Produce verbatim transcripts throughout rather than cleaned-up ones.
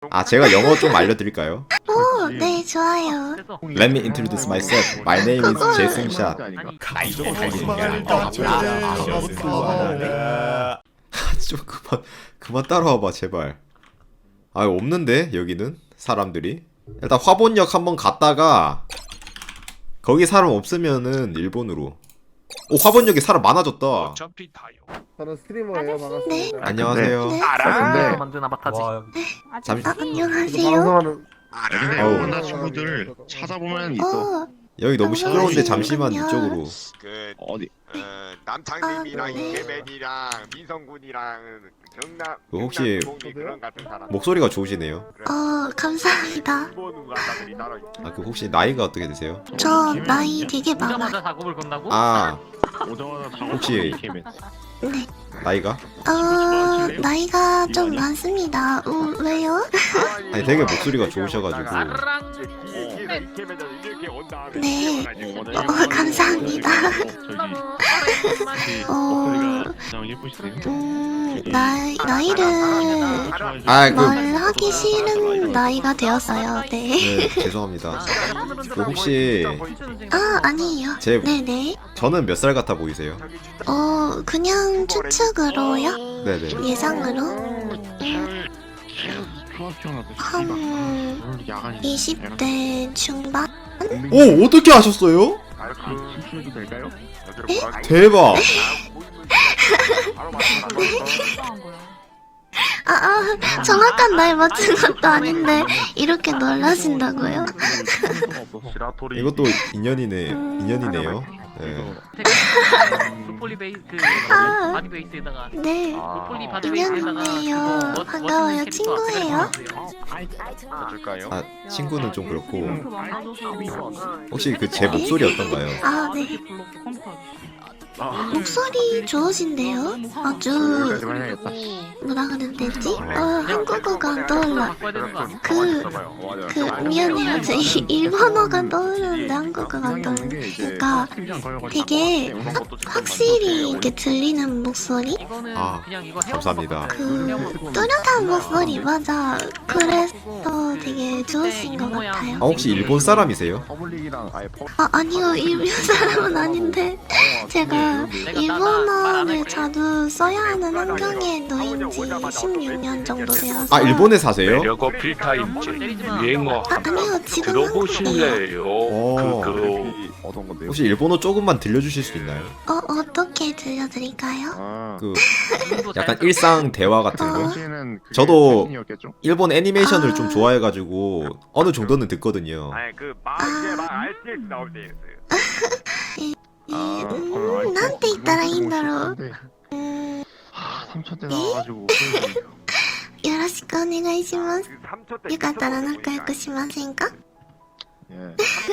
아 제가 영어 좀 알려드릴까요? 오, 네, 좋아요. Let me introduce myself. My name is 제승샷. 좀 그만 그만 따라와봐 제발. 아 없는데 여기는 사람들이. 일단 화본역 한번 갔다가 거기 사람 없으면은 일본으로. 오 화본역에 사람 많아졌다. 어차피 다요. 저는 스트리머예요. 반갑습니다. 네. 안녕하세요. 네. 알아. 만든 아바타지. 잠시 아, 안녕하세요. 방송하는 근데 어우. 일본나 친구들 찾아보면 있어. 어, 여기 너무 시끄러운데 잠시만 잠시만요. 이쪽으로. 그 어디? 어, 남창님이랑 아, 네. 이케맨이랑 민성군이랑 경남 그 혹시 경남 동기 그런 같은 사람 목소리가 좋으시네요. 어, 감사합니다. 일본 가사들이 따로 있어. 아 그 혹시 나이가 어떻게 되세요? 저 나이 되게 많아. 오자마자 작업을 건다고? 아 오자마자 작업 혹시- 이케맨. 네. 나이가? 어, 나이가 좀 많습니다. 음, 왜요? 아니 되게 목소리가 좋으셔가지고. 아랑. 뒤에서 이케맨들 이렇게 온 다음에 네. 뛰어가지고 어, 감사합니다. 저기 어, 목소리가 가장 예쁘시네요. 음, 나이, 나이를 아 그 말하기 싫은 나이가 되었어요. 네. 네, 죄송합니다. 그 혹시 아, 아니에요. 제 네네. 저는 몇 살 같아 보이세요? 어, 그냥 추측으로요? 네네. 예상으로? 한 야간 이십 대 중반? 오 어떻게 아셨어요? 춤추도 될까요? 대박. 아, 아, 정확한 나이 맞춘 것도 아닌데 이렇게 놀라신다고요? 이것도 인연이네 인연이네요. 네. 폴리 베이스 아. 바디 베이스에다가 네, 폴리 바디 베이스에다가 인연이에요. 그거 반가워요. 멋있는 캐릭터 친구예요. 줄까요? 아 친구는 좀 그렇고 혹시 그 제 목소리 어떤가요? 아, 네. 목소리 좋으신데요? 아주 뭐라 그러면 되지? 어, 한국어가 안 떠올라. 바꿔야 되는 거 아니야? 그, 그 미안해요. 저 이- 일본어가 떠오르는데 한국어가 안 떠오르는. 그러니까 되게 확, 확실히 이렇게 들리는 목소리? 이거는 아, 그냥 이거 헤어 감사합니다. 그 뚜렷한 목소리 맞아. 그래서 되게 좋으신 것 같아요. 아 혹시 일본 사람이세요? 아, 아니요. 일본 사람은 아닌데 제가 일본어를 자주 써야 하는 환경에 놓인 지 십육 년 정도 되어서. 아 일본에 사세요? 매력 어필 타임즈 유행어 아, 아니요. 지금 한국이에요. 들어보실래요? 오. 그, 그 어떤 건데요? 혹시 일본어 조금만 들려주실 수 있나요? 어, 어떻게 들려드릴까요? 아, 그 약간 일상 대화 같은 거? 당시에는 그게 저도 팬이었겠죠? 일본 애니메이션을 아. 좀 좋아해가지고 어느 정도는 듣거든요. 아니 그막 이제 막 알티엑스 나올 때 있어요. 아, 음, 난て言ったらいいんだろう。 아, 삼천 대 나와가지고 よろしくお願いします。 그 삼 초 때 よかったら仲良くしませんか？ 예.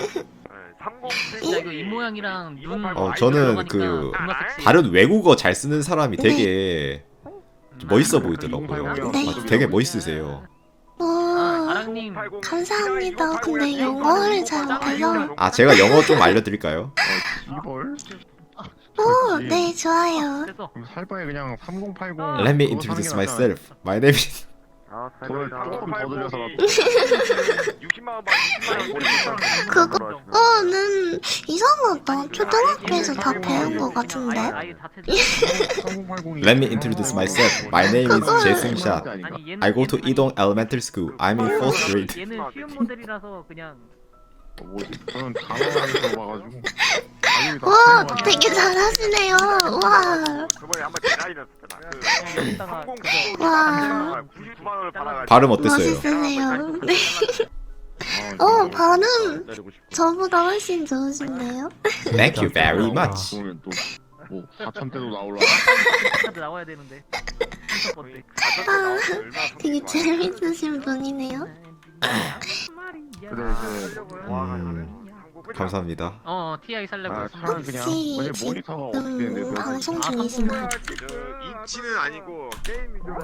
진짜 이거 입 모양이랑 눈 어, 저는 그 존나 섹시해. 다른 외국어 잘 쓰는 사람이 되게 좀 멋있어 보이더라고요. 네. 아, 되게 멋있으세요. 오, 아, 아랑님 감사합니다. 근데 영어를 잘 못해서. 아 제가 영어 좀 알려드릴까요? 이벌? 오, 네, 좋아요. 됐어. 그럼 살 바에 그냥 삼공팔공 Let me 그거 사는 introduce 게 낫잖아요. myself. My name is 돈을 조금 더 들여서 육십만 원 받으면 그거는 이상하다. 초등학교에서 다 배운 것 같은데. 아예 자체 삼공팔공이 Let me introduce myself. My name is 그걸- 제승샷. 아니 얘는 I go to 얘는 이동 Elementary School. I'm in fourth grade. 얘는 쉬운 모델이라서 그냥 뭐 저는 단어에서 와가지고 와, 되게 잘하시네요. 와, 저번에 한번 대라이였었잖아. 그 이따가 그거 와, 구십구만 원을 받아가지고 발음 어땠어요? 멋있으세요. 네. 어, 발음 저보다 훨씬 좋으신데요? Thank you very much. 그러면 또뭐 사천 대도 나올라. 카드 나와야 되는데. 순서 건데. 아, 되게 재밌으신 분이네요. 그래 그 음, 감사합니다. 어 티아이 살려고. 아, 했어. 차는 그냥 혹시 원래 모니터가 어떻게 되는데 지금 그거 방송 중이신가요? 그 인치는 아니고 게임 위주로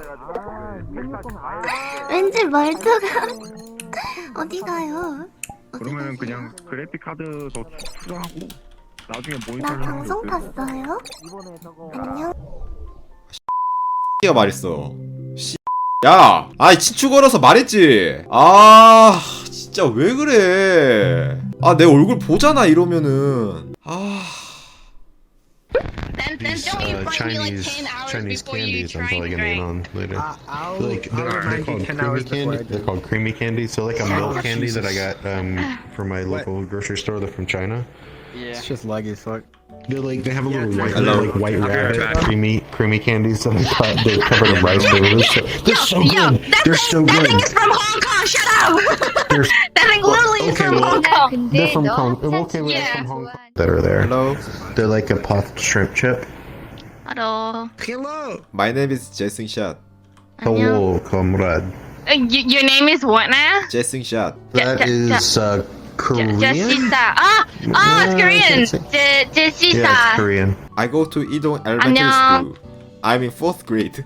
해가지고 왠지 말투가 어디 가요? 어디 그러면 가세요? 그냥 그래픽 카드 더 추가하고 나중에 모니터 나 방송 봤어요? 안녕. X가 말했어. 야, 아이 친추 걸어서 말했지. 아, 진짜 왜 그래? 아, 내 얼굴 보잖아 이러면은. 아. Then, then These don't you uh, find me like Chinese ten hours Chinese before you candies I'm try probably and gonna eat drink? on later. I- I'll, Like I'll they're, they're remind you called ten creamy hours before candy. I They're do. called creamy candy. So like a milk Oh, candy that I Jesus. got um from my What? local grocery store. They're from China. It's just laggy as fuck. They're like they have a little white, Hello. like white I'll be right rabbit back. creamy creamy candies that I got. They're covered in rice. They're, really so, they're so Yo, good. that They're thing, so that good. thing is from Hong Kong. Shut up. They're, That thing literally is okay, from well, Hong Kong. they're from Hong Kong. Okay, well, they're Yeah. from Hong Kong. That are there. Hello. They're like a puffed shrimp chip. Hello. Hello. My name is Jason Shot. Hello, comrade. Uh, y- your name is what now? Jason Shot. That Ja- ja- is uh, Korean. Jessica. Ah, ah, it's Uh, Korean. that's it. Je- Yeah, it's Jessica. Korean. I go to Idong Elementary 안녕. School. I'm in fourth grade.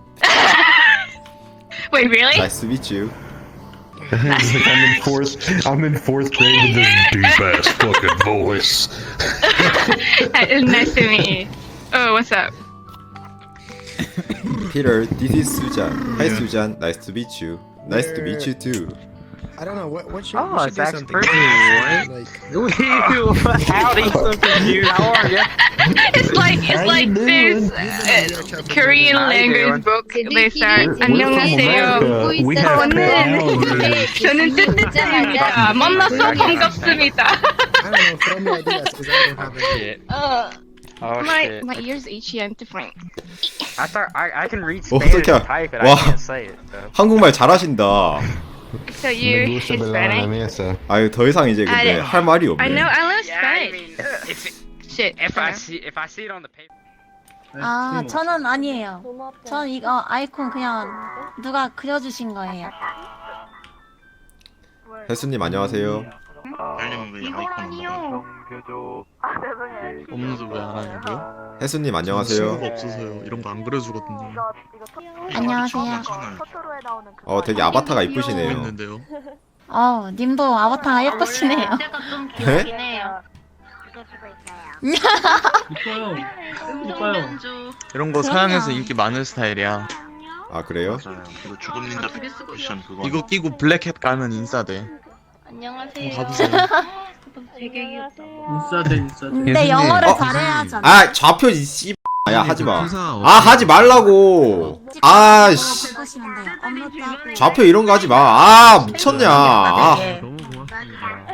Wait, really? Nice to meet you. It's like I'm in fourth. I'm in fourth grade with this deep ass fucking voice. Nice to meet you. Oh, what's up? Peter, this is Sujan. Hi Sujan, nice to meet you. Nice to meet you too. I don't know what. What should? Oh, we should it's do Zach's something. birthday, Like, Howdy, so confused. How are you? It's like it's How like you this doing? uh, Korean How you doing? language book. They start. We're- we're from 안녕하세요. America. We have 저는 저는 뜻뜻합니다. 만나서 반갑습니다. I don't know. Throw me ideas because I don't have any. Uh, Oh my shit. my ears itchy and different. I thought I, I can read Oh, Spanish 어떡해. and type it. 와. I can't say it. So. 한국말 잘하신다. So Me you gusta bailar en la Hispanic? mesa. 아유 더 이상 이제 근데 I- 할 말이 I know 없네. I love Yeah, I Spanish. mean, if it, Shit. if I see if I see it on the paper. 아, 저는 아니에요. 전 이거 아이콘 그냥 누가 그려주신 거예요. 혜수님 안녕하세요. 이걸 아니요. 없는데 왜 안 하냐고요? 혜수님 친구가 안녕하세요. 없어서요. 이런 거 안 그려주거든요. 안녕하세요. 어 되게 아바타가 이쁘시네요. 있는데요. 어, 님도 아바타가 예쁘시네요. 제가 좀 네? 귀엽긴 해요. 이뻐요. 음성변조. 이런 거 서양에서 인기 많은 스타일이야. 아 그래요? 이거 죽음 닌자 되게 쓰고 있어. 이거 끼고 블랙햇 가면 인싸돼. 안녕하세요. 가보세요. 되게 귀엽다. 인싸돼 인싸돼. 근데 영어를 어? 잘해야잖아. 아 좌표 이씨. 야 하지 마. 회사 아 하지 말라고. 아씨. 보시면 돼요. 업로드하고. 좌표 이런 거 하지 마. 아 미쳤냐. 아, 너무 고맙습니다.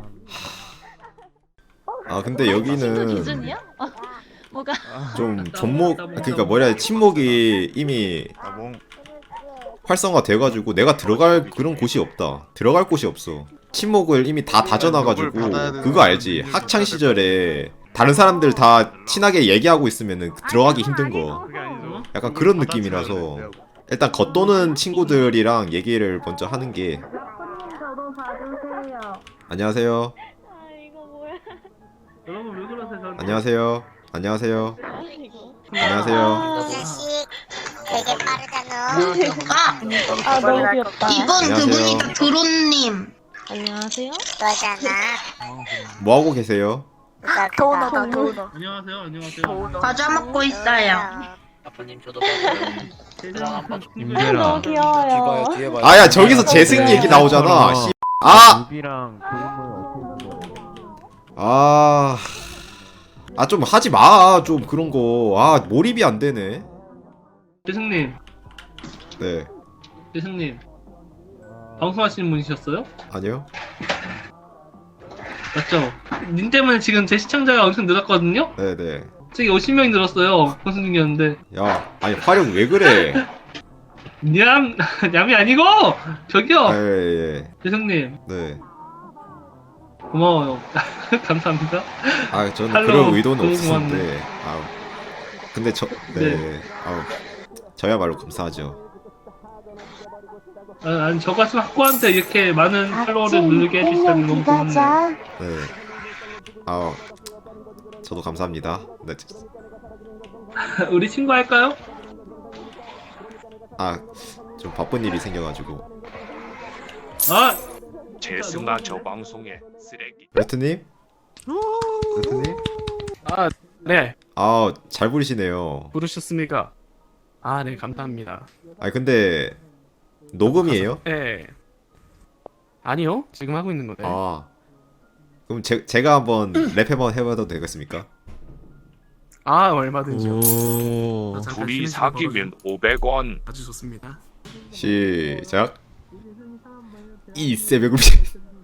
아 근데 친구 여기는 기준이야? 어, 뭐가? 좀 존목 그러니까 뭐라 해야 돼, 침묵이 이미 활성화 돼가지고 내가 들어갈 그런 곳이 없다. 들어갈 곳이 없어. 침묵을 이미 다 다져놔가지고 그거 알지? 학창 시절에 다른 사람들 다 친하게 얘기하고 있으면은 들어가기 힘든 거. 약간 그런 느낌이라서 일단 겉도는 친구들이랑 얘기를 먼저 하는 게. 안녕하세요. 여러분 왜 그러세요? 안녕하세요. 안녕하세요. 안녕하세요. 자식 되게 빠르잖아. 아, 너무 귀엽다. 이분 안녕하세요. 그분이다. 드론님. 안녕하세요. 너잖아. 뭐 하고 계세요? 도너다 도너. 안녕하세요. 안녕하세요. 과자 먹고 있어요. 임대라. 귀여워요. 아야 저기서 재승 얘기 나오잖아. 씨. 아. 아. 아 좀 하지 마. 좀 그런 거. 아 몰입이 안 되네. 재승님, 네. 재승님. 방송하시는 분이셨어요? 아니요. 맞죠? 님 때문에 지금 제 시청자가 엄청 늘었거든요? 네, 네. 저기 오십 명이 늘었어요. 방송 중이었는데. 야, 아니 화력 왜 그래? 냠, 냠이 아니고! 저기요! 예, 예. 재승님, 네. 고마워요. 감사합니다. 아, 저는 할로, 그런 의도는 너무 없었는데. 아. 근데 저 네. 아우. 저야말로 감사하죠. 아, 아니, 저 같은 학부한테 이렇게 많은 팔로워를 누르게 해주시다니 너무 고맙네요. 네. 아. 저도 감사합니다. 네. 우리 친구 할까요? 아, 좀 바쁜 일이 생겨가지고. 아! 재승아 저 방송에 쓰레기. 레트님? 레트님? 아, 네. 아, 잘 부르시네요. 부르셨습니까? 아, 네, 감사합니다. 아, 근데 녹음이에요? 예. 아니요. 지금 하고 있는 거네. 아 그럼 제, 제가 한번 랩 한번 해봐도 되겠습니까? 아, 얼마든지요. 오 잠깐 둘이 쉬는 시간 사귀면 오백 원. 아주 좋습니다. 시작. 이 새벽을 비...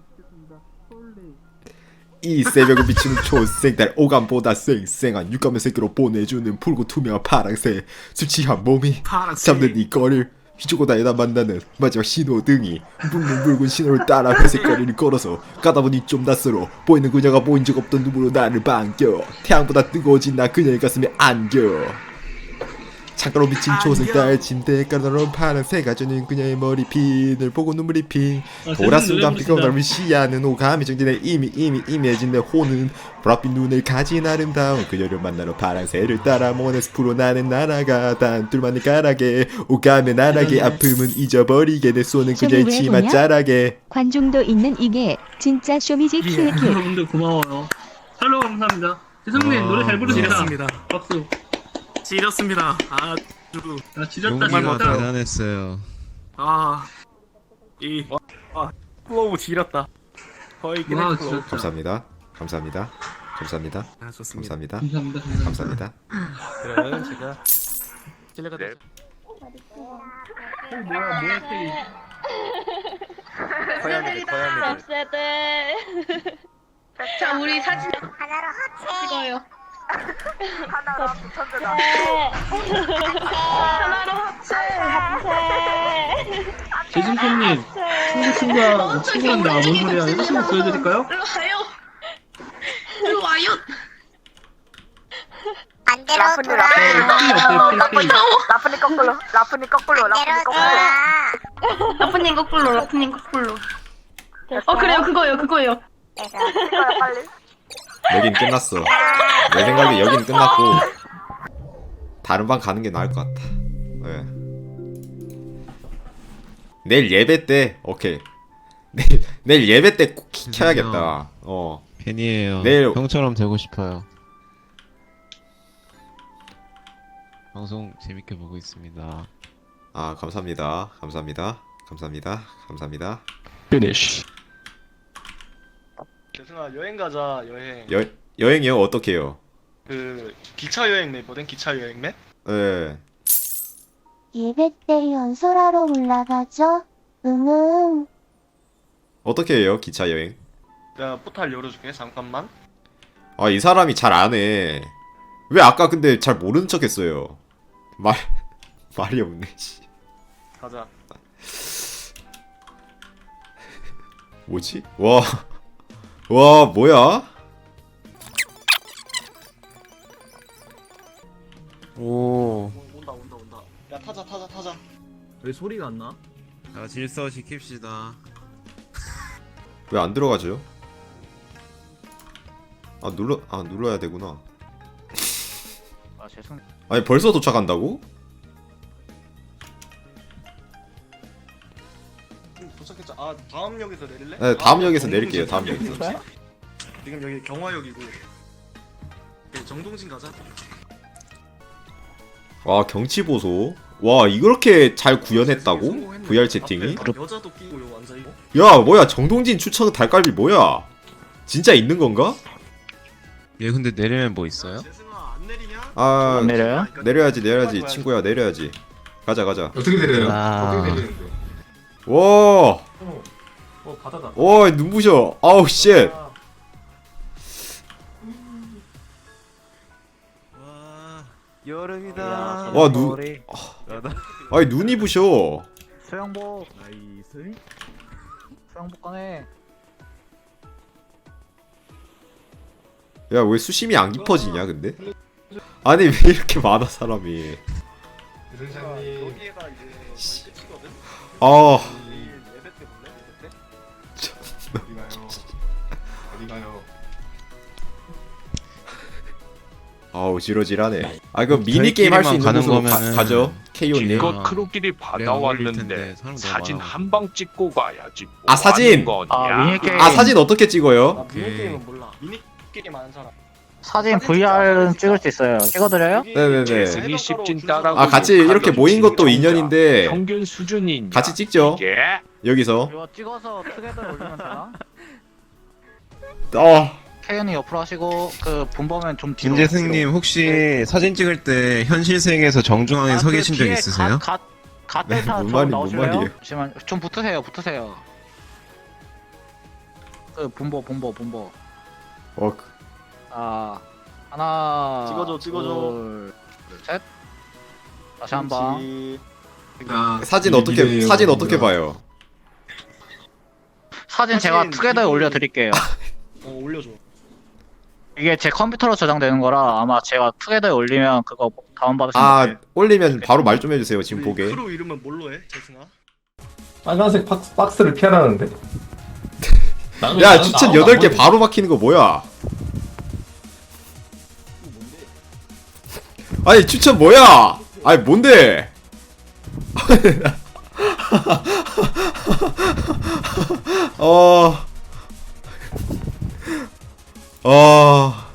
이 새벽을 비추는 초생달 오감보다 쌩쌩한 육감의 새끼로 보내주는 붉고 투명한 파랑새 술 취한 몸이 파란색. 잡는 이 거리를 휘주고 다니다 만나는 마지막 신호등이 붉은 붉은 신호를 따라 회색 거리를 걸어서 가다 보니 좀 낯설어 보이는 그녀가 보인 적 없던 눈으로 나를 반겨 태양보다 뜨거워진 나 그녀의 가슴에 안겨 창가로 비친 초승달 침대에 깔아놓은 파란새가 주는 그녀의 머리핀을 보고 눈물이 핑 돌아순간 피곤함을 시야는 오감이 정진해 이미 이미 이미해진 내 혼은 보랏빛 눈을 가진 아름다운 그녀를 만나러 파란새를 따라 몽환의 숲으로 나는 날아가 단둘만의 가락에 오감의 나락에 아픔은 잊어버리게 내 손은 그녀의 치마 자락에 관중도 있는 이게 진짜 쇼미지 예, 여러분들 고마워요. 팔로우 감사합니다. 재성님 아, 노래 잘 부르시다. 지렸습니다. 박수. 지렸습니다. 아주 아 지렸다 지렸다. 대단했어요. 아. 이 아, 플로우 지렸다. 거의 와 그냥 플로우. 진짜. 감사합니다 감사합니다 감사합니다 아, 좋습니다. 감사합니다 감사합니다. 감사합니다. 감사합니다 그러면 제가 실례가 네. 되죠. 어, 뭐야 뭐야 테이. 고양이들 고양이들. 자 우리 사진 하나로 하체. 찍어요. 하나로 천재다. 하나로 합체. 합체. 재승님 친구 친구야 친구한다. 뭔 소리야? 이거 친구 보여드릴까요? 일로 와요. 일로 와요. 반대로 돌아. 필이 어때요? 필 필. 라프니 거꾸로. 라프니 거꾸로. 라프니 거꾸로. 라프님 거꾸로 라프님 거꾸로. 어 그래요 그거요 그거요. 찍어요 빨리. 여긴 끝났어 내 생각에 여긴 끝났고 다른 방 가는 게 나을 것 같아 네. 내일 예배 때 오케이 내일, 내일 예배 때 꼭 켜야겠다 어 팬이에요. 내일- 형처럼 되고 싶어요. 방송 재밌게 보고 있습니다. 아 감사합니다 감사합니다 감사합니다 감사합니다 피니쉬. 재승아 여행 가자 여행. 여, 여행이요? 어떻게 해요? 그 기차 여행 맵거든 기차 여행 맵. 예 예배 때 연설하러 올라가죠. 응응. 어떻게 해요 기차 여행? 내가 포탈 열어줄게 잠깐만. 아 이 사람이 잘 안해 왜 아까 근데 잘 모르는 척 했어요 말 말이 없네 씨. 가자. 뭐지? 와, 와 뭐야? 오, 온다 온다 온다. 야 타자 타자 타자. 왜 소리가 안 나? 자, 질서 지킵시다. 왜 안 들어가죠? 아 눌러, 아 눌러야 되구나. 아 죄송. 아니 벌써 도착한다고? 음, 도착했자. 아 다음 역에서 내릴래? 네, 다음 역에서 정동진 내릴게요, 다음 가자. 역에서. 지금 여기 경화역이고. 네, 정동진 가자. 와 경치 보소. 와 이렇게 잘 구현했다고? 브이알 채팅이? 앞에 여자도 끼고 요 완전 이거. 야 뭐야 정동진 추천 달깔비 뭐야? 진짜 있는 건가? 얘 근데 내리면 뭐 있어요? 재승아 안 내리냐? 아 안 내려요? 내려야지 내려야지 친구야 내려야지. 가자 가자. 어떻게 내려요? 아... 와, 어 바다다. 와 눈부셔. 아우 쉣. 와, 여름이다. 와, 누- 아니 눈이 부셔. 수영복. 나이스. 수영복 꺼내. 야 왜 수심이 안 깊어지냐 근데? 아니 왜 이렇게 많아 사람이? 여기가 이제 끝이거든. 아 예배 때 볼래? 예배 때? 어디 가요? 어디 가요? 아우 지러지라네. 아 그럼 미니 게임 할 수 있는 가는 곳으로 가, 거면은 가죠. 케이오님. 이거 크로끼리 받아왔는데 텐데, 사람 너무 사진 많아. 한 방 찍고 가야지. 뭐 아, 사진! 하는 거냐? 아 미니 게임. 아 사진 어떻게 찍어요? 아 미니 게임은 몰라. 미니 게임 아는 사람. 사진 브이알은 찍을 수 있어요. 찍어드려요? 네네네. 재승이 십진 따라고 아 같이 이렇게 모인 것도 진정자. 인연인데 평균 수준인 같이 찍죠. 예. 여기서. 이거 찍어서 투게더 올리면 되나? 어. 태연이 옆으로 하시고 그 본범은 좀 뒤로. 김재승님 혹시 사진 찍을 때 현실 세계에서 정중앙에 서 계신 적 있으세요? 갓, 갓, 네, 갓 뭔 좀 말이- 뭔 나오실래요? 말이에요? 잠시만, 좀 붙으세요, 붙으세요. 그 본보, 본보, 본보. 어. 그- 아, 하나. 찍어줘, 찍어줘. 둘, 셋. 다시 한 번. 사진 어떻게 사진 어떻게 봐요? 사진 제가 투게더에 올려드릴게요. 어 올려줘. 이게 제 컴퓨터로 저장되는 거라 아마 제가 투게더에 올리면 그거 다운받으시면 아 돼요. 올리면 바로 말 좀 해주세요. 지금 보게. 크루 이름은 뭘로 해, 재승아? 빨간색 박스, 박스를 피하라는데? 야 추천 여덟 개 바로 막히는 거 뭐야? 아니 추천 뭐야? 아니 뭔데? 어. 어.